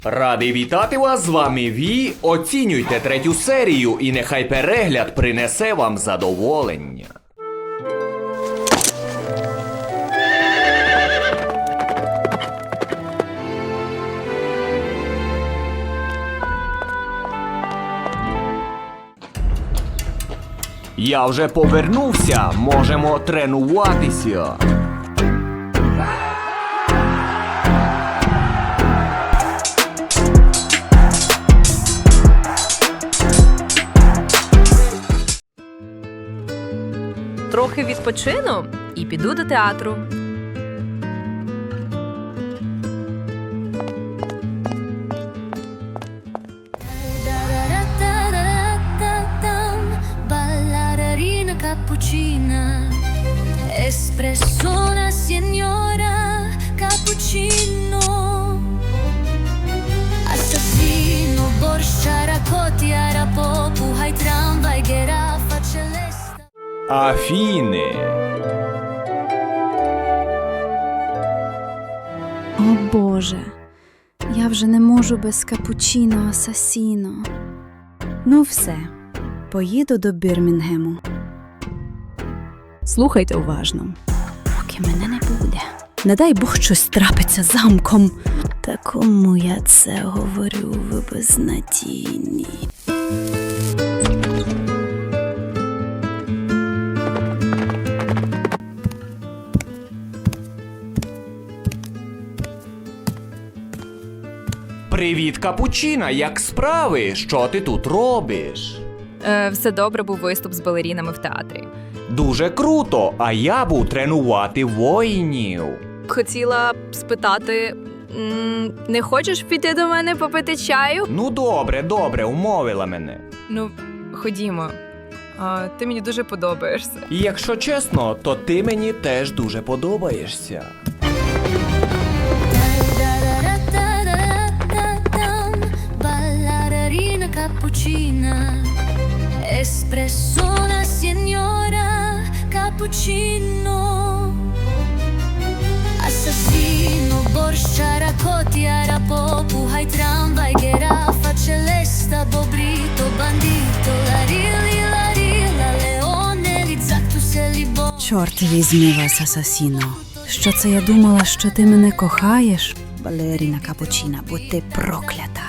Радий вітати вас, з вами Ві. Оцінюйте третю серію і нехай перегляд принесе вам задоволення. Я вже повернувся, можемо тренуватися. Трохи відпочину і піду до театру. Ballerina cappuccina, espresso una signora cappuccino, assassino, borscia, racotti, arapopu, hai tramvai, giraffa, celesta. Афіни. О Боже, я вже не можу без капучино асасіно. Ну все, поїду до Бірмінгему. Слухайте уважно, поки мене не буде. Не дай Бог щось трапиться замком. Та кому я це говорю, ви безнадійні. Привіт, Капучина, як справи? Що ти тут робиш? Все добре, був виступ з балерінами в театрі. Дуже круто, а я був тренувати воїнів. Хотіла б спитати, не хочеш піти до мене попити чаю? Ну добре, умовила мене. Ну, ходімо. Ти мені дуже подобаєшся. І якщо чесно, то ти мені теж дуже подобаєшся. Ballerina cappuccina, espresso una signora cappuccino, assassino, borscia, racotti, arapopu, hai tramvai, giraffa, celesta, bobrito, bandito, la rilla, leone, lizzactus e libo. Чорт візьми вас, асасіно. Що це я думала, що ти мене кохаєш? Балеріна капучина, будь ти проклята.